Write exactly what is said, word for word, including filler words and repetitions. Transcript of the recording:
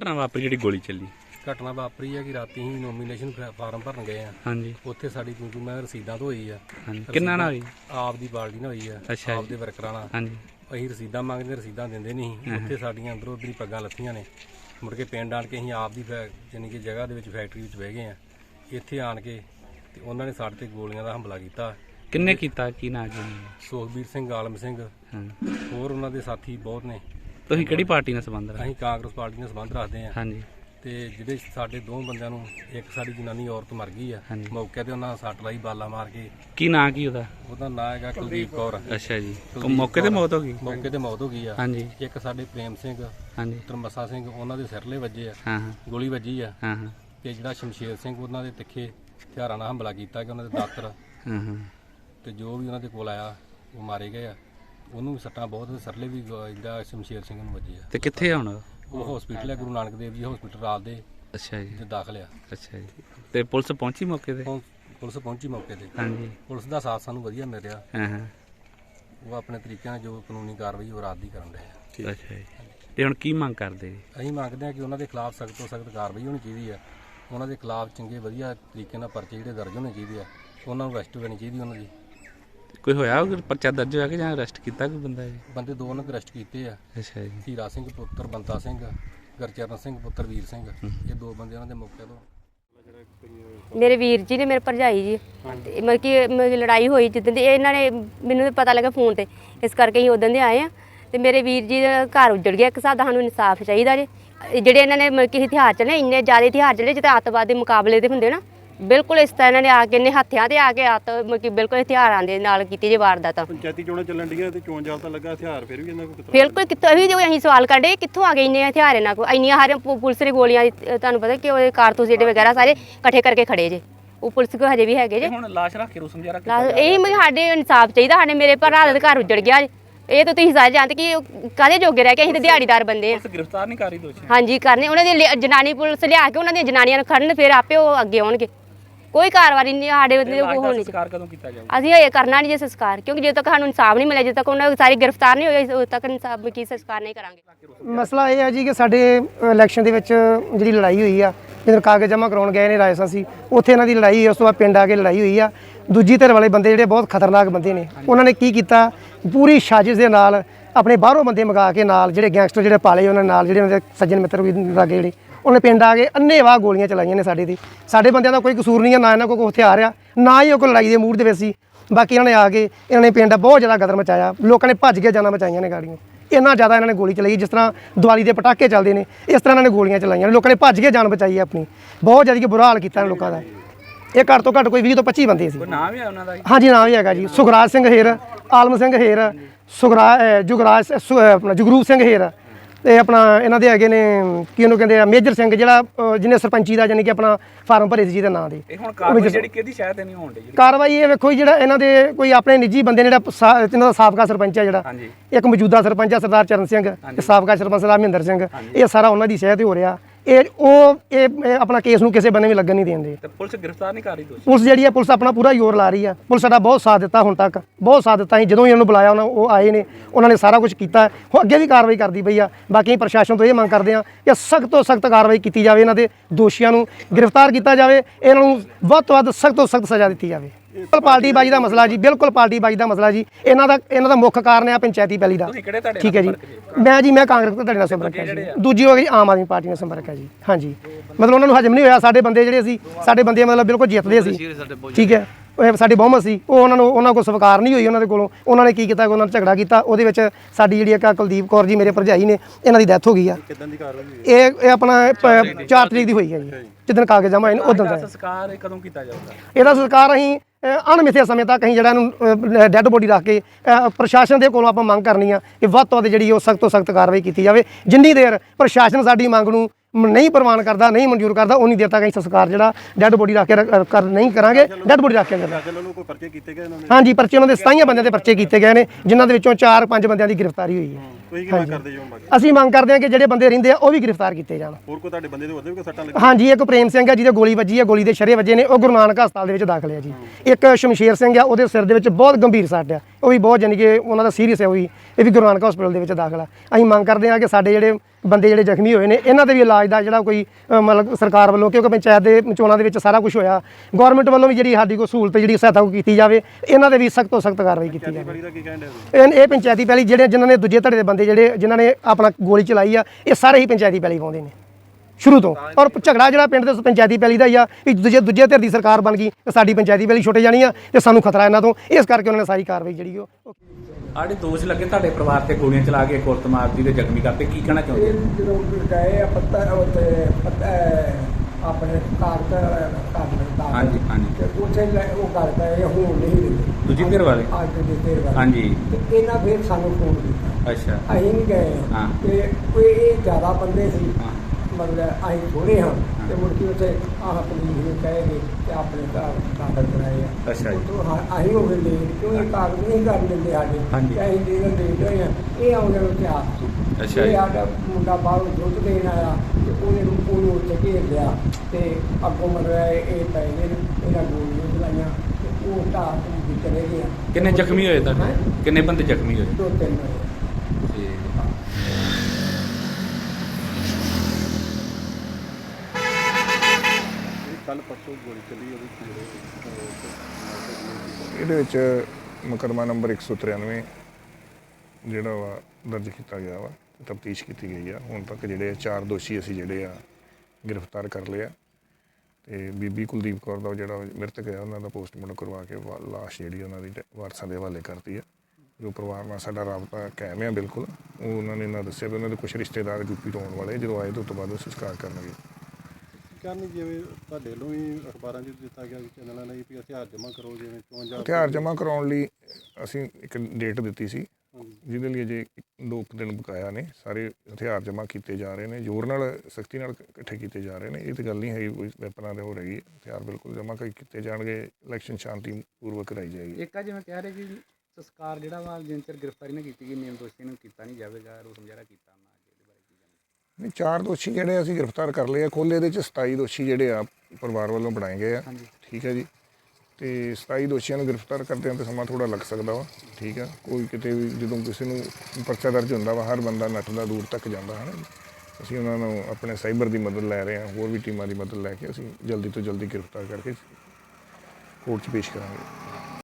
ਘਟਨਾ ਵਾਪਰੀ ਜਿਹੜੀ ਗੋਲੀ ਚੱਲੀ? ਘਟਨਾ ਵਾਪਰੀ ਹੈ ਕਿ ਰਾਤੀ ਹੀ ਨੋਮੀਨੇਸ਼ਨ ਫਾਰਮ ਭਰਨ ਗਏ ਆ। ਹਾਂਜੀ। ਉੱਥੇ ਸਾਡੀ ਕਿਉਂਕਿ ਮੈਂ ਰਸੀਦਾਂ ਤੋਂ ਹੋਈ ਆ। ਹਾਂਜੀ। ਕਿੰਨਾ ਨਾਲ ਹੋਈ? ਆਪ ਦੀ ਪਾਰਟੀ ਨਾਲ ਹੋਈ ਆ। ਅੱਛਾ ਆਪ ਦੇ ਵਰਕਰਾਂ ਨਾਲ। ਹਾਂਜੀ। ਅਸੀਂ ਰਸੀਦਾਂ ਮੰਗਦੇ ਰਸੀਦਾਂ ਦਿੰਦੇ ਨਹੀਂ। ਉੱਥੇ ਸਾਡੀਆਂ ਅੰਦਰੋਂ ਉੱਧਰੀ ਪੱਗਾਂ ਲੱਥੀਆਂ ਨੇ। ਮੁੜ ਕੇ ਪਿੰਡ ਆਣ ਕੇ ਅਸੀਂ ਆਪ ਦੀ ਯਾਨੀ ਕਿ ਜਗ੍ਹਾ ਦੇ ਵਿੱਚ ਫੈਕਟਰੀ ਵਿੱਚ ਬਹਿ ਗਏ ਆ। ਇੱਥੇ ਆਣ ਕੇ ਤੇ ਉਹਨਾਂ ਨੇ ਸਾਡੇ ਤੇ ਗੋਲੀਆਂ ਦਾ ਹਮਲਾ ਕੀਤਾ। ਕਿੰਨੇ ਕੀਤਾ? ਕੀ ਨਾਂ ਜੀ? ਸੁਖਬੀਰ ਸਿੰਘ, ਆਲਮ ਸਿੰਘ, ਹੋਰ ਉਹਨਾਂ ਦੇ ਸਾਥੀ ਬਹੁਤ ਨੇ। ਤੁਸੀਂ ਕਿਹੜੀ ਪਾਰਟੀ ਨਾਲ ਸੰਬੰਧ ਰੱਖਦੇ? ਅਸੀਂ ਕਾਂਗਰਸ ਪਾਰਟੀ ਨਾਲ ਸੰਬੰਧ ਰੱਖਦੇ ਹਾਂ। ਹਾਂਜੀ। ਤੇ ਜਿਹੜੇ ਸਾਡੇ ਦੋ ਬੰਦਿਆਂ ਨੂੰ, ਇੱਕ ਸਾਡੀ ਜਨਾਨੀ ਔਰਤ ਮਰ ਗਈ ਆ ਮੌਕੇ ਤੇ, ਉਹਨਾਂ ਸੱਟ ਲਾਈ ਬਾਲਾ ਮਾਰ ਕੇ। ਕੀ ਨਾਂ ਕੀ ਉਹਦਾ? ਉਹਦਾ ਨਾਂ ਹੈਗਾ ਕੁਲਦੀਪ ਕੌਰ। ਅੱਛਾ ਜੀ। ਮੌਕੇ ਤੇ ਮੌਤ ਹੋ ਗਈ? ਮੌਕੇ ਤੇ ਮੌਤ ਹੋ ਗਈ ਆ। ਹਾਂਜੀ। ਇੱਕ ਸਾਡੇ ਪ੍ਰੇਮ ਸਿੰਘ, ਹਾਂਜੀ, ਤਰਮੱਸਾ ਸਿੰਘ, ਉਹਨਾਂ ਦੇ ਸਿਰਲੇ ਵੱਜੇ ਆ। ਹਾਂ ਹਾਂ, ਗੋਲੀ ਵੱਜੀ ਆ। ਹਾਂ ਹਾਂ। ਤੇ ਜਿਹੜਾ ਸ਼ਮਸ਼ੇਰ ਸਿੰਘ, ਉਹਨਾਂ ਦੇ ਤਿੱਖੇ ਹਥਿਆਰਾਂ ਨਾਲ ਹਮਲਾ ਕੀਤਾ ਕਿ ਉਹਨਾਂ ਦੇ ਦਾਤਰ ਹਾਂ ਹਾਂ, ਤੇ ਜੋ ਵੀ ਉਹਨਾਂ ਦੇ ਕੋਲ ਆਇਆ ਉਹ ਮਾਰੇ ਗਏ ਆ। ਉਹਨੂੰ ਵੀ ਸੱਟਾਂ ਬਹੁਤ, ਸਿਰਲੇ ਵੀ ਜਿਹੜਾ ਸ਼ਮਸ਼ੇਰ ਸਿੰਘ ਨੂੰ ਵੱਜੇ ਆ। ਤੇ ਕਿੱਥੇ ਹੁਣ ਉਹ ਹਸਪੀਟਲ ਹੈ, ਗੁਰੂ ਨਾਨਕ ਦੇਵ ਜੀ ਹਸਪੀਟਲ ਰਾਲ ਦੇ। ਅੱਛਾ ਜੀ। ਤੇ ਦਾਖਲ ਆ। ਅੱਛਾ ਜੀ। ਤੇ ਪੁਲਿਸ ਪਹੁੰਚੀ ਮੌਕੇ ਤੇ? ਪੁਲਿਸ ਪਹੁੰਚੀ ਮੌਕੇ ਤੇ। ਹਾਂਜੀ। ਪੁਲਿਸ ਦਾ ਸਾਥ ਸਾਨੂੰ ਵਧੀਆ ਮਿਲ ਰਿਹਾ। ਹਾਂ ਹਾਂ। ਉਹ ਆਪਣੇ ਤਰੀਕੇ ਨਾਲ ਜੋ ਕਾਨੂੰਨੀ ਕਾਰਵਾਈ ਉਹ ਰਾਤ ਦੀ ਕਰਨ ਰਹੇ ਆ। ਅੱਛਾ ਜੀ। ਤੇ ਹੁਣ ਕੀ ਮੰਗ ਕਰਦੇ ਜੀ? ਅਸੀਂ ਮੰਗਦੇ ਹਾਂ ਕਿ ਉਹਨਾਂ ਦੇ ਖਿਲਾਫ ਸਖਤ ਤੋਂ ਸਖਤ ਕਾਰਵਾਈ ਹੋਣੀ ਚਾਹੀਦੀ ਆ। ਉਹਨਾਂ ਦੇ ਖਿਲਾਫ ਚੰਗੇ ਵਧੀਆ ਤਰੀਕੇ ਨਾਲ ਪਰਚੇ ਜਿਹੜੇ ਦਰਜ ਹੋਣੇ ਚਾਹੀਦੇ ਆ। ਉਹਨਾਂ ਨੂੰ ਅਰੈਸਟ ਹੋਣੀ ਚਾਹੀਦੀ ਉਹਨਾਂ ਦੀ। ਕੋਈ ਹੋਇਆ ਪਰਚਾ ਦਰਜ ਹੋਇਆ ਕਿ ਜਾਂ ਅਰੈਸਟ ਕੀਤਾ ਕੋਈ ਬੰਦਾ ਜੀ? ਬੰਦੇ ਦੋ ਉਹਨਾਂ ਦੇ ਅਰੈਸਟ ਕੀਤੇ ਆ। ਅੱਛਾ ਜੀ। ਹੀਰਾ ਸਿੰਘ ਪੁੱਤਰ ਬੰਤਾ ਸਿੰਘ, ਗੁਰਚਰਨ ਸਿੰਘ ਪੁੱਤਰ ਵੀਰ ਸਿੰਘ, ਇਹ ਦੋ ਬੰਦੇ ਉਹਨਾਂ ਦੇ ਮੌਕੇ ਤੋਂ। ਮੇਰੇ ਵੀਰ ਜੀ ਨੇ, ਮੇਰੇ ਭਰਜਾਈ ਜੀ, ਤੇ ਮਤਲਬ ਕਿ ਮੇਰੀ ਲੜਾਈ ਹੋਈ ਜਿੱਦਣ ਦੀ, ਇਹਨਾਂ ਨੇ ਮੈਨੂੰ ਪਤਾ ਲੱਗਾ ਫੋਨ ਤੇ, ਇਸ ਕਰਕੇ ਅਸੀਂ ਉਦੋਂ ਦੇ ਆਏ ਆ। ਤੇ ਮੇਰੇ ਵੀਰ ਜੀ ਦਾ ਘਰ ਉੱਜੜ ਗਿਆ। ਇੱਕ ਹਿਸਾਬ ਦਾ ਸਾਨੂੰ ਇਨਸਾਫ ਚਾਹੀਦਾ ਜੀ। ਜਿਹੜੇ ਇਹਨਾਂ ਨੇ ਮਤਲਬ ਕਿ ਹਥਿਆਰ ਚਲੇ, ਇੰਨੇ ਜ਼ਿਆਦਾ ਹਥਿਆਰ ਚਲੇ ਜਿੱਦਾਂ ਅੱਤਵਾਦ ਦੇ ਮੁਕਾਬਲੇ ਦੇ ਹੁੰਦੇ ਨਾ, ਬਿਲਕੁਲ ਇਸ ਤਰ੍ਹਾਂ ਇਹਨਾਂ ਨੇ ਆ ਕੇ ਇਹਨੇ ਹੱਥਿਆਂ ਤੇ ਆ ਕੇ ਅੱਤ ਮਤਲਬ ਕਿ ਬਿਲਕੁਲ ਹਥਿਆਰਾਂ ਦੇ ਨਾਲ ਕੀਤੀ ਜੇ ਵਾਰਦਾਤ। ਪੰਚਾਇਤੀ ਚੋਣਾਂ ਚੱਲਣ ਡੀਆਂ ਤੇ ਚੋਣ ਜਾਬਤਾ ਲੱਗਾ, ਹਥਿਆਰ ਫਿਰ ਵੀ ਇਹਨਾਂ ਕੋਲ ਕਿੱਥੋਂ? ਬਿਲਕੁਲ ਕਿੱਥੋਂ? ਅਸੀਂ ਜੋ ਅਸੀਂ ਸਵਾਲ ਕਰਦੇ ਕਿੱਥੋਂ ਆ ਗਏ ਇੰਨੇ ਹਥਿਆਰ ਇਹਨਾਂ ਕੋਲ? ਇੰਨੀਆਂ ਹਾਰੇ ਪੁਲਿਸ ਦੀਆਂ ਗੋਲੀਆਂ, ਤੁਹਾਨੂੰ ਪਤਾ ਕਿ ਉਹਦੇ ਕਾਰਤੂਸ ਜਿਹੜੇ ਵਗੈਰਾ ਸਾਰੇ ਇਕੱਠੇ ਕਰਕੇ ਖੜੇ ਜੇ। ਉਹ ਪੁਲਿਸ ਕੋਲ ਹਜੇ ਵੀ ਹੈਗੇ ਜੇ। ਹੁਣ ਲਾਸ਼ ਰੱਖ ਕੇ ਰੋਸਮ ਜਿਹਾ ਰੱਖ ਇਹ ਸਾਡੇ ਇਨਸਾਫ ਚਾਹੀਦਾ। ਸਾਡੇ ਮੇਰੇ ਭਰਾ ਦਾ ਘਰ ਉੱਜੜ ਗਿਆ। ਇਹ ਤਾਂ ਤੁਸੀਂ ਸਾਰੇ ਜਾਣਦੇ ਕਿ ਕਾਹਦੇ ਜੋਗੇ ਰਹਿ ਕੇ, ਅਸੀਂ ਤਾਂ ਦਿਹਾੜੀਦਾਰ ਬੰਦੇ ਆ। ਗ੍ਰਿਫਤਾਰ ਨਹੀਂ ਕਰ ਰਹੀ ਦੋਸ਼ੀ? ਹਾਂਜੀ ਕਰਨੇ। ਉਹਨਾਂ ਦੀ ਜਨਾਨੀ ਪੁਲਿਸ ਲਿਆ ਕੇ ਉਹਨਾਂ ਦੀਆਂ ਜਨਾਨੀਆਂ ਨੂੰ ਖੜਨ, ਫਿਰ ਆਪੇ ਉਹ ਅੱਗੇ ਆਉਣਗੇ। ਕੋਈ ਕਾਰਵਾਈ ਨਹੀਂ ਸਾਡੇ ਹੋਣੀ। ਸੰਸਕਾਰ ਕਦੋਂ ਕੀਤਾ ਜਾਊਗਾ? ਅਸੀਂ ਇਹ ਕਰਨਾ ਨਹੀਂ ਜੇ ਸੰਸਕਾਰ, ਕਿਉਂਕਿ ਜਦੋਂ ਤੱਕ ਸਾਨੂੰ ਇਨਸਾਫ ਨਹੀਂ ਮਿਲਿਆ, ਜਦੋਂ ਤੱਕ ਉਹਨਾਂ ਸਾਰੀ ਗ੍ਰਿਫਤਾਰ ਨਹੀਂ ਹੋਈ, ਉਦੋਂ ਤੱਕ ਇਨਸਾਫ ਕੀ ਸੰਸਕਾਰ ਨਹੀਂ ਕਰਾਂਗੇ। ਮਸਲਾ ਇਹ ਹੈ ਜੀ ਕਿ ਸਾਡੇ ਇਲੈਕਸ਼ਨ ਦੇ ਵਿੱਚ ਜਿਹੜੀ ਲੜਾਈ ਹੋਈ ਆ, ਜਦੋਂ ਕਾਗਜ਼ ਜਮ੍ਹਾਂ ਕਰਾਉਣ ਗਏ ਨੇ ਰਾਜਸਥਾਨ ਸੀ, ਉੱਥੇ ਇਹਨਾਂ ਦੀ ਲੜਾਈ ਹੋਈ। ਉਸ ਤੋਂ ਬਾਅਦ ਪਿੰਡ ਆ ਕੇ ਲੜਾਈ ਹੋਈ ਆ। ਦੂਜੀ ਧਿਰ ਵਾਲੇ ਬੰਦੇ ਜਿਹੜੇ ਬਹੁਤ ਖਤਰਨਾਕ ਬੰਦੇ ਨੇ, ਉਹਨਾਂ ਨੇ ਕੀ ਕੀਤਾ, ਪੂਰੀ ਸਾਜ਼ਿਸ਼ ਦੇ ਨਾਲ ਆਪਣੇ ਬਾਹਰੋਂ ਬੰਦੇ ਮੰਗਾ ਕੇ ਨਾਲ ਜਿਹੜੇ ਗੈਂਗਸਟਰ ਜਿਹੜੇ ਪਾਲੇ ਉਹਨਾਂ ਨਾਲ, ਜਿਹੜੇ ਉਹਨਾਂ ਦੇ ਸੱਜਣ ਮਿੱਤਰ ਵੀ ਲਾਗੇ ਜਿਹੜੇ, ਉਹਨੇ ਪਿੰਡ ਆ ਕੇ ਅੰਨ੍ਹੇਵਾਹ ਗੋਲੀਆਂ ਚਲਾਈਆਂ ਨੇ ਸਾਡੇ 'ਤੇ। ਸਾਡੇ ਬੰਦਿਆਂ ਦਾ ਕੋਈ ਕਸੂਰ ਨਹੀਂ ਆ, ਨਾ ਇਹਨਾਂ ਕੋਲ ਕੋਈ ਹਥਿਆਰ ਆ, ਨਾ ਹੀ ਉਹ ਕੋਈ ਲੜਾਈ ਦੇ ਮੂਡ ਦੇ ਵਿੱਚ ਸੀ। ਬਾਕੀ ਇਹਨਾਂ ਨੇ ਆ ਕੇ ਇਹਨਾਂ ਨੇ ਪਿੰਡ ਬਹੁਤ ਜ਼ਿਆਦਾ ਗਦਰ ਮਚਾਇਆ। ਲੋਕਾਂ ਨੇ ਭੱਜ ਕੇ ਜਾਨਾਂ ਬਚਾਈਆਂ ਨੇ ਗਾੜੀਆਂ। ਇੰਨਾ ਜ਼ਿਆਦਾ ਇਹਨਾਂ ਨੇ ਗੋਲੀ ਚਲਾਈ, ਜਿਸ ਤਰ੍ਹਾਂ ਦੀਵਾਲੀ ਦੇ ਪਟਾਕੇ ਚੱਲਦੇ ਨੇ ਇਸ ਤਰ੍ਹਾਂ ਇਹਨਾਂ ਨੇ ਗੋਲੀਆਂ ਚਲਾਈਆਂ ਨੇ। ਲੋਕਾਂ ਨੇ ਭੱਜ ਕੇ ਜਾਨ ਬਚਾਈ ਆਪਣੀ। ਬਹੁਤ ਜ਼ਿਆਦਾ ਬੁਰਾ ਹਾਲ ਕੀਤਾ ਲੋਕਾਂ ਦਾ। ਇਹ ਘੱਟ ਤੋਂ ਘੱਟ ਕੋਈ ਵੀਹ ਤੋਂ ਪੱਚੀ ਬੰਦੇ ਸੀ। ਨਾਮ ਹੈ ਉਹਨਾਂ ਦਾ? ਹਾਂਜੀ ਨਾਮ ਵੀ ਹੈਗਾ ਜੀ। ਸੁਖਰਾਜ ਸਿੰਘ ਹੇਰ, ਆਲਮ ਸਿੰਘ ਹੇਰ, ਸੁਖਰਾਜ ਜੁਗਰਾਜ ਆਪਣਾ ਜਗਰੂਪ ਸਿੰਘ ਹੇਰ, ਤੇ ਆਪਣਾ ਇਹਨਾਂ ਦੇ ਹੈਗੇ ਨੇ ਕੀ ਉਹਨੂੰ ਕਹਿੰਦੇ ਆ ਮੇਜਰ ਸਿੰਘ, ਜਿਹੜਾ ਜਿਹਨੇ ਸਰਪੰਚੀ ਦਾ ਯਾਨੀ ਕਿ ਆਪਣਾ ਫਾਰਮ ਭਰੇ ਸੀ ਜਿਹਦੇ ਨਾਂ ਦੇ। ਇਹ ਹੁਣ ਕਾਰਵਾਈ ਜਿਹੜੀ ਕਿਹਦੀ ਸ਼ਾਇਦ ਨਹੀਂ ਹੋਣ ਡਈ? ਕਾਰਵਾਈ ਇਹ ਵੇਖੋ ਜਿਹੜਾ ਇਹਨਾਂ ਦੇ ਕੋਈ ਆਪਣੇ ਨਿੱਜੀ ਬੰਦੇ ਨੇ, ਜਿਹੜਾ ਇਹਨਾਂ ਦਾ ਸਾਬਕਾ ਸਰਪੰਚ ਹੈ, ਜਿਹੜਾ ਇੱਕ ਮੌਜੂਦਾ ਸਰਪੰਚ ਹੈ ਸਰਦਾਰ ਚਰਨ ਸਿੰਘ, ਤੇ ਸਾਬਕਾ ਸਰਪੰਚ ਸਰਦਾਰ ਮਹਿੰਦਰ ਸਿੰਘ, ਇਹ ਸਾਰਾ ਉਹਨਾਂ ਦੀ ਸ਼ਹਿ ਤੇ ਹੋ ਰਿਹਾ। ਇਹ ਉਹ ਇਹ ਆਪਣਾ ਕੇਸ ਨੂੰ ਕਿਸੇ ਬੰਨੇ ਵੀ ਲੱਗਣ ਨਹੀਂ ਦੇਂਦੇ। ਤੇ ਪੁਲਿਸ ਗ੍ਰਿਫਤਾਰ ਨਹੀਂ ਕਰ ਰਹੀ ਦੋਸ਼ੀ? ਪੁਲਿਸ ਜਿਹੜੀ ਹੈ, ਪੁਲਿਸ ਆਪਣਾ ਪੂਰਾ ਜ਼ੋਰ ਲਾ ਰਹੀ ਆ। ਪੁਲਿਸ ਸਾਡਾ ਬਹੁਤ ਸਾਥ ਦਿੱਤਾ ਹੁਣ ਤੱਕ, ਬਹੁਤ ਸਾਥ ਦਿੱਤਾ। ਅਸੀਂ ਜਦੋਂ ਹੀ ਉਹਨੂੰ ਬੁਲਾਇਆ ਉਹਨਾਂ ਉਹ ਆਏ ਨੇ, ਉਹਨਾਂ ਨੇ ਸਾਰਾ ਕੁਝ ਕੀਤਾ। ਉਹ ਅੱਗੇ ਵੀ ਕਾਰਵਾਈ ਕਰਦੀ ਪਈ ਆ। ਬਾਕੀ ਪ੍ਰਸ਼ਾਸਨ ਤੋਂ ਇਹ ਮੰਗ ਕਰਦੇ ਆ ਕਿ ਸਖਤ ਤੋਂ ਸਖਤ ਕਾਰਵਾਈ ਕੀਤੀ ਜਾਵੇ, ਇਹਨਾਂ ਦੇ ਦੋਸ਼ੀਆਂ ਨੂੰ ਗ੍ਰਿਫਤਾਰ ਕੀਤਾ ਜਾਵੇ, ਇਹਨਾਂ ਨੂੰ ਵੱਧ ਤੋਂ ਵੱਧ ਸਖਤ ਤੋਂ ਸਖਤ ਸਜ਼ਾ ਦਿੱਤੀ ਜਾਵੇ। ਬਿਲਕੁਲ ਪਾਰਟੀ ਬਾਜੀ ਦਾ ਮਸਲਾ ਜੀ, ਬਿਲਕੁਲ ਪਾਰਟੀ ਬਾਜੀ ਦਾ ਮਸਲਾ ਜੀ। ਇਹਨਾਂ ਦਾ ਇਹਨਾਂ ਦਾ ਮੁੱਖ ਕਾਰਨ ਹੈ ਪੰਚਾਇਤੀ ਪੈਲੀ ਦਾ। ਠੀਕ ਹੈ ਜੀ। ਮੈਂ ਜੀ ਮੈਂ ਕਾਂਗਰਸ ਤੁਹਾਡੇ ਨਾਲ ਸੰਪਰਕ ਹੈ ਜੀ। ਦੂਜੀ ਹੋ ਗਈ ਆਮ ਆਦਮੀ ਪਾਰਟੀ ਨਾਲ ਸੰਪਰਕ ਹੈ ਜੀ। ਹਾਂਜੀ ਮਤਲਬ ਉਹਨਾਂ ਨੂੰ ਹਜਮ ਨਹੀਂ ਹੋਇਆ। ਸਾਡੇ ਬੰਦੇ ਜਿਹੜੇ ਸੀ, ਸਾਡੇ ਬੰਦੇ ਮਤਲਬ ਬਿਲਕੁਲ ਜਿੱਤਦੇ ਸੀ। ਠੀਕ ਹੈ, ਉਹ ਸਾਡੀ ਬਹੁਮਤ ਸੀ। ਉਹ ਉਹਨਾਂ ਨੂੰ ਉਹਨਾਂ ਕੋਲ ਸਵੀਕਾਰ ਨਹੀਂ ਹੋਈ। ਉਹਨਾਂ ਦੇ ਕੋਲੋਂ ਉਹਨਾਂ ਨੇ ਕੀ ਕੀਤਾ, ਉਹਨਾਂ ਨੇ ਝਗੜਾ ਕੀਤਾ। ਉਹਦੇ ਵਿੱਚ ਸਾਡੀ ਜਿਹੜੀ ਇੱਕ ਕੁਲਦੀਪ ਕੌਰ ਜੀ ਮੇਰੇ ਭਰਜਾਈ ਨੇ, ਇਹਨਾਂ ਦੀ ਡੈਥ ਹੋ ਗਈ ਆ। ਕਿੱਦਾਂ ਦੀ ਕਾਰਵਾਈ? ਇਹ ਇਹ ਆਪਣਾ ਚਾਰ ਤਰੀਕ ਦੀ ਹੋਈ ਹੈ ਜੀ, ਜਿੱਦਣ ਕਾਗਜ਼ ਜਮ੍ਹਾਂ ਹੋਏ ਨੇ ਉਦੋਂ ਦਾ। ਸੰਸਕਾਰ ਕਦੋਂ ਕੀਤਾ ਜਾਊਗਾ? ਇਹਦਾ ਸੰਸਕਾਰ ਅਸੀਂ ਅਣਮਿੱਥੇ ਸਮੇਂ ਤੱਕ ਅਸੀਂ ਜਿਹੜਾ ਇਹਨੂੰ ਡੈੱਡ ਬੋਡੀ ਰੱਖ ਕੇ ਪ੍ਰਸ਼ਾਸਨ ਦੇ ਕੋਲੋਂ ਆਪਾਂ ਮੰਗ ਕਰਨੀ ਆ ਕਿ ਵੱਧ ਤੋਂ ਵੱਧ ਜਿਹੜੀ ਉਹ ਸਖਤ ਤੋਂ ਸਖਤ ਕਾਰਵਾਈ ਕੀਤੀ ਜਾਵੇ। ਜਿੰਨੀ ਦੇਰ ਪ੍ਰਸ਼ਾਸਨ ਸਾਡੀ ਮੰਗ ਨੂੰ ਨਹੀਂ ਪ੍ਰਵਾਨ ਕਰਦਾ, ਨਹੀਂ ਮਨਜ਼ੂਰ ਕਰਦਾ, ਉਨੀ ਦੇਰ ਤੱਕ ਅਸੀਂ ਸੰਸਕਾਰ ਜਿਹੜਾ ਡੈੱਡ ਬੋਡੀ ਰੱਖ ਕੇ ਕਰ ਨਹੀਂ ਕਰਾਂਗੇ। ਡੈੱਡ ਬੋਡੀ ਰੱਖ ਕੇ ਕੋਈ ਪਰਚੇ ਕੀਤੇ ਗਏ? ਹਾਂਜੀ ਪਰਚੇ ਉਹਨਾਂ ਦੇ ਸਤਾਈਆਂ ਬੰਦਿਆਂ ਦੇ ਪਰਚੇ ਕੀਤੇ ਗਏ ਨੇ, ਜਿਨ੍ਹਾਂ ਦੇ ਵਿੱਚੋਂ ਚਾਰ ਪੰਜ ਬੰਦਿਆਂ ਦੀ ਗ੍ਰਿਫਤਾਰੀ ਹੋਈ ਹੈ। ਅਸੀਂ ਮੰਗ ਕਰਦੇ ਹਾਂ ਕਿ ਜਿਹੜੇ ਬੰਦੇ ਰਹਿੰਦੇ ਆ ਉਹ ਵੀ ਗ੍ਰਿਫਤਾਰ ਕੀਤੇ ਜਾਣ। ਹੋਰ ਕੋਈ ਤੁਹਾਡੇ ਬੰਦੇ ਦੇ ਹੋਰ ਵੀ ਕੋਈ ਸੱਟਾਂ ਲੱਗੀਆਂ? ਹਾਂਜੀ ਇੱਕ ਪ੍ਰੇਮ ਸਿੰਘ ਹੈ ਜਿਹਦੇ ਗੋਲੀ ਵੱਜੀ ਹੈ, ਗੋਲੀ ਦੇ ਸ਼ਰੇ ਵੱਜੇ ਨੇ, ਉਹ ਗੁਰੂ ਨਾਨਕ ਹਸਪਤਾਲ ਦੇ ਵਿੱਚ ਦਾਖਲ ਹੈ ਜੀ। ਇੱਕ ਸ਼ਮਸ਼ੇਰ ਸਿੰਘ ਆ, ਉਹਦੇ ਸਿਰ ਦੇ ਵਿੱਚ ਬਹੁਤ ਗੰਭੀਰ ਸੱਟ ਆ, ਉਹ ਵੀ ਬਹੁਤ ਯਾਨੀ ਕਿ ਉਹਨਾਂ ਦਾ ਸੀਰੀਅਸ ਹੈ, ਉਹ ਵੀ ਇਹ ਵੀ ਗੁਰੂ ਨਾਨਕ ਹਸਪਤਾਲ ਦੇ ਵਿੱਚ ਦਾਖਲ ਆ। ਅਸੀਂ ਮੰਗ ਕਰਦੇ ਹਾਂ ਕਿ ਸਾਡੇ ਜਿਹੜੇ ਬੰਦੇ ਜਿਹੜੇ ਜ਼ਖਮੀ ਹੋਏ ਨੇ ਇਹਨਾਂ ਦੇ ਵੀ ਇਲਾਜ ਦਾ ਜਿਹੜਾ ਕੋਈ ਅ, ਮਤਲਬ ਸਰਕਾਰ ਵੱਲੋਂ, ਕਿਉਂਕਿ ਪੰਚਾਇਤ ਦੇ ਚੋਣਾਂ ਦੇ ਵਿੱਚ ਸਾਰਾ ਕੁਝ ਹੋਇਆ, ਗਵਰਨਮੈਂਟ ਵੱਲੋਂ ਵੀ ਜਿਹੜੀ ਸਾਡੀ ਕੋਈ ਸਹੂਲਤ ਜਿਹੜੀ ਸਹਾਇਤਾ ਕੋਈ ਕੀਤੀ ਜਾਵੇ, ਇਹਨਾਂ ਦੇ ਵੀ ਸਖਤ ਤੋਂ ਸਖਤ ਕਾਰਵਾਈ ਕੀਤੀ ਜਾਵੇ। ਪੈਲੀ ਦਾ ਕੀ ਕਹਿੰਦੇ ਹੋ? ਇਹ ਇਹ ਪੰਚਾਇਤੀ ਪੈਲੀ ਜਿਹੜੇ ਜਿਨ੍ਹਾਂ ਨੇ ਦੂਜੇ ਧੜੇ ਦੇ ਬੰਦੇ ਜਿਹੜੇ ਜਿਨ੍ਹਾਂ ਨੇ ਆਪਣਾ ਗੋਲੀ ਚਲਾਈ ਆ, ਇਹ ਸਾਰੇ ਹੀ ਪੰਚਾਇਤੀ ਪੈਲੀ ਪਾਉਂਦੇ ਨੇ ਸ਼ੁਰੂ ਤੋਂ। ਔਰ ਝਗੜਾ ਜਿਹੜਾ ਪਿੰਡ ਦੇ ਪੰਚਾਇਤੀ ਪੈਲੀ ਦਾ ਹੀ ਆ ਵੀ ਦੂਜੇ ਦੂਜੇ ਧਿਰ ਦੀ ਸਰਕਾਰ ਬਣ ਗਈ ਤੇ ਸਾਡੀ ਪੰਚਾਇਤੀ ਪੈਲੀ ਛੁੱਟ ਜਾਣੀ ਆ ਤੇ ਸਾਨੂੰ ਖਤਰਾ ਇਹਨਾਂ ਤੋਂ, ਇਸ ਕਰਕੇ ਉਹਨਾਂ ਨੇ ਸਾਰੀ ਕਾਰਵਾਈ ਜਿਹੜੀ ਉਹ ਆੜੇ ਦੋਸ਼ ਲੱਗੇ ਤੁਹਾਡੇ ਪਰਿਵਾਰ ਤੇ ਗੋਲੀਆਂ ਚਲਾ ਕੇ ਕੁੱਟਮਾਰ ਦੀ ਤੇ ਜ਼ਖਮੀ ਕਰਤੇ, ਕੀ ਕਹਿਣਾ ਚਾਹੁੰਦੇ ਇਹ ਜਦੋਂ ਗਏ ਆ ਪੱਤਾ ਉੱਤੇ ਪੱਤਾ ਆਪਣੇ ਘਰ ਦਾ ਘਰ ਦਾ ਹਾਂਜੀ ਹਾਂਜੀ ਤੇ ਉੱਥੇ ਲੈ- ਉਹ ਕਰਦਾ ਇਹ ਹੁਣ ਨਹੀਂ ਦਿੰਦੇ ਦੂਜੀ ਧਿਰ ਵਾਲੇ ਅੱਜ ਦੇ ਧਿਰ ਵਾਲੇ ਹਾਂਜੀ ਤੇ ਇਹਨਾਂ ਫਿਰ ਸਾਨੂੰ ਫੋਨ ਕੀਤਾ, ਅੱਛਾ ਅਸੀਂ ਨਹੀਂ ਗਏ ਹਾਂ। ਤੇ ਕੋਈ ਇਹ ਜ਼ਿਆਦਾ ਬੰਦੇ ਸੀ, ਹਾਂ ਮਤਲਬ ਅਸੀਂ ਥੋੜੇ ਹਾਂ ਤੇ ਮੁੜ ਕੇ ਉੱਥੇ ਆਹ ਪੁਲਿਸ ਨੂੰ ਕਹੇਗੇ ਤੇ ਆਪਣੇ ਘਰ ਕਾਗਜ਼ ਕਰਾਏ ਆ। ਅੱਛਾ ਜੀ। ਉੱਥੋਂ ਹਾਂ- ਅਸੀਂ ਹੋ ਗਏ ਲੇਟ, ਕਿਉਂ ਇਹ ਕਾਗਜ਼ ਨਹੀਂ ਕਰਨ ਦਿੰਦੇ ਸਾਡੇ, ਹਾਂਜੀ। ਤੇ ਅਸੀਂ ਦੇਣ ਲੇਟ ਹੋਏ ਆ। ਇਹ ਆਉਂਦੇ ਨੂੰ ਤਿਆਰ ਸੀ। ਅੱਛਾ ਇਹ ਜੀ। ਸਾਡਾ ਮੁੰਡਾ ਬਾਹਰੋਂ ਦੁੱਧ ਦੇਣ ਆਇਆ ਤੇ ਉਹਨੇ ਨੂੰ ਉਹਨੂੰ ਉੱਥੇ ਘੇਰ ਲਿਆ ਤੇ ਅੱਗੋਂ ਮਤਲਬ ਇਹ ਪੈ ਗਏ ਨੇ, ਇਹਨਾਂ ਗੋਲੀਆਂ ਚਲਾਈਆਂ ਤੇ ਉਹ ਢਾਹ ਤੋਂ ਚਲੇ ਗਿਆ। ਕਿੰਨੇ ਜ਼ਖਮੀ ਹੋਏ ਤੁਹਾਡੇ, ਕਿੰਨੇ ਬੰਦੇ ਜ਼ਖਮੀ ਹੋਏ? ਦੋ ਤਿੰਨ ਹੋਏ। ਕੱਲ ਪਰਸੋਂ ਗੋਲੀ ਚੱਲੀ ਉਹਦੀ ਕੀ ਇਹਦੇ ਵਿੱਚ ਮੁਕੱਦਮਾ ਨੰਬਰ ਇੱਕ ਸੌ ਤਰਾਨਵੇਂ ਜਿਹੜਾ ਵਾ ਦਰਜ ਕੀਤਾ ਗਿਆ ਵਾ, ਤਫਤੀਸ਼ ਕੀਤੀ ਗਈ ਆ। ਹੁਣ ਤੱਕ ਜਿਹੜੇ ਆ ਚਾਰ ਦੋਸ਼ੀ ਅਸੀਂ ਜਿਹੜੇ ਆ ਗ੍ਰਿਫਤਾਰ ਕਰ ਲਏ ਆ ਤੇ ਬੀਬੀ ਕੁਲਦੀਪ ਕੌਰ ਦਾ ਜਿਹੜਾ ਮ੍ਰਿਤਕ ਹੈ ਉਹਨਾਂ ਦਾ ਪੋਸਟਮਾਰਟਮ ਕਰਵਾ ਕੇ ਵਾ- ਲਾਸ਼ ਜਿਹੜੀ ਉਹਨਾਂ ਦੀ ਡ- ਵਾਰਸਾਂ ਦੇ ਹਵਾਲੇ ਕਰਤੀ ਆ। ਜੋ ਪਰਿਵਾਰ ਨਾਲ ਸਾਡਾ ਰਾਬਤਾ ਕਾਇਮ ਆ ਬਿਲਕੁਲ। ਉਹ ਉਹਨਾਂ ਨੇ ਨਾ ਦੱਸਿਆ ਵੀ ਉਹਨਾਂ ਦੇ ਕੁਝ ਰਿਸ਼ਤੇਦਾਰ ਯੂਪੀ ਤੋਂ ਆਉਣ ਵਾਲੇ, ਜਦੋਂ ਆਏ ਤਾਂ ਉਸ ਤੋਂ ਬਾਅਦ ਉਹ ਸੰਸਕਾਰ ਕਰਨਗੇ। ਕਰਨੀ ਜਿਵੇਂ ਤੁਹਾਡੇ ਵੱਲੋਂ ਵੀ ਅਖਬਾਰਾਂ 'ਚ ਦਿੱਤਾ ਗਿਆ ਚੈਨਲਾਂ ਲਈ ਵੀ ਹਥਿਆਰ ਜਮ੍ਹਾਂ ਕਰੋ, ਜਿਵੇਂ ਚੋਣ ਜਾਬਤਾ ਹਥਿਆਰ ਜਮ੍ਹਾਂ ਕਰਾਉਣ ਲਈ ਅਸੀਂ ਇੱਕ ਡੇਟ ਦਿੱਤੀ ਸੀ, ਹਾਂਜੀ। ਜਿਹਦੇ ਲਈ ਅਜੇ ਦੋ ਕੁ ਦਿਨ ਬਕਾਇਆ ਨੇ। ਸਾਰੇ ਹਥਿਆਰ ਜਮ੍ਹਾਂ ਕੀਤੇ ਜਾ ਰਹੇ ਨੇ, ਜ਼ੋਰ ਨਾਲ ਸਖਤੀ ਨਾਲ ਇਕੱਠੇ ਕੀਤੇ ਜਾ ਰਹੇ ਨੇ। ਇਹ ਤਾਂ ਗੱਲ ਨਹੀਂ ਹੈ ਕੋਈ ਵੈਪਨਾਂ ਦੇ ਹੋ ਰਹੀ, ਹਥਿਆਰ ਬਿਲਕੁਲ ਜਮ੍ਹਾਂ ਕੀਤੇ ਜਾਣਗੇ। ਇਲੈਕਸ਼ਨ ਸ਼ਾਂਤੀ ਪੂਰਵਕ ਕਰਾਈ ਜਾਏਗੀ। ਇੱਕ ਆ ਜਿਵੇਂ ਕਹਿ ਰਹੇ ਕਿ ਸੰਸਕਾਰ ਜਿਹੜਾ ਵਾ ਜਿੰਨ ਚਿਰ ਗ੍ਰਿਫਤਾਰੀ ਨਾ ਕੀਤੀ ਗਈ ਮੇਨ ਦੋਸ਼ੀ ਨੂੰ ਕੀਤਾ ਨਹੀਂ ਜਾਵੇਗਾ, ਰੋਸ ਮੁਜ਼ਾਹਰਾ ਕੀਤਾ ਨਾ, ਇਹਦੇ ਬਾਰੇ ਕੀ ਜਾਣਦੇ? ਨਹੀਂ, ਚਾਰ ਦੋਸ਼ੀ ਜਿਹੜੇ ਅਸੀਂ ਗ੍ਰਿਫਤਾਰ ਕਰ ਲਏ ਆ। ਕੁੱਲ ਇਹਦੇ 'ਚ ਸਤਾਈ ਦੋਸ਼ੀ ਜਿਹੜੇ ਆ ਪਰਿਵਾਰ ਵੱਲੋਂ ਬਣਾਏ ਗਏ ਆ। ਹਾਂਜੀ। ਠੀਕ ਹੈ ਜੀ। ਤੇ ਸਤਾਈ ਦੋਸ਼ੀਆਂ ਨੂੰ ਗ੍ਰਿਫਤਾਰ ਕਰਦਿਆਂ ਤਾਂ ਸਮਾਂ ਥੋੜ੍ਹਾ ਲੱਗ ਸਕਦਾ ਵਾ। ਠੀਕ ਆ, ਕੋਈ ਕਿਤੇ ਵੀ ਜਦੋਂ ਕਿਸੇ ਨੂੰ ਪਰਚਾ ਦਰਜ ਹੁੰਦਾ ਵਾ, ਹਰ ਬੰਦਾ ਨੱਠਦਾ ਦੂਰ ਤੱਕ ਜਾਂਦਾ ਹੈ ਨਾ ਜੀ। ਅਸੀਂ ਉਹਨਾਂ ਨੂੰ ਆਪਣੇ ਸਾਈਬਰ ਦੀ ਮਦਦ ਲੈ ਰਹੇ ਹਾਂ, ਹੋਰ ਵੀ ਟੀਮਾਂ ਦੀ ਮਦਦ ਲੈ ਕੇ ਅਸੀਂ ਜਲਦੀ ਤੋਂ ਜਲਦੀ ਗ੍ਰਿਫਤਾਰ ਕਰਕੇ ਕੋਰਟ 'ਚ ਪੇਸ਼ ਕਰਾਂਗੇ।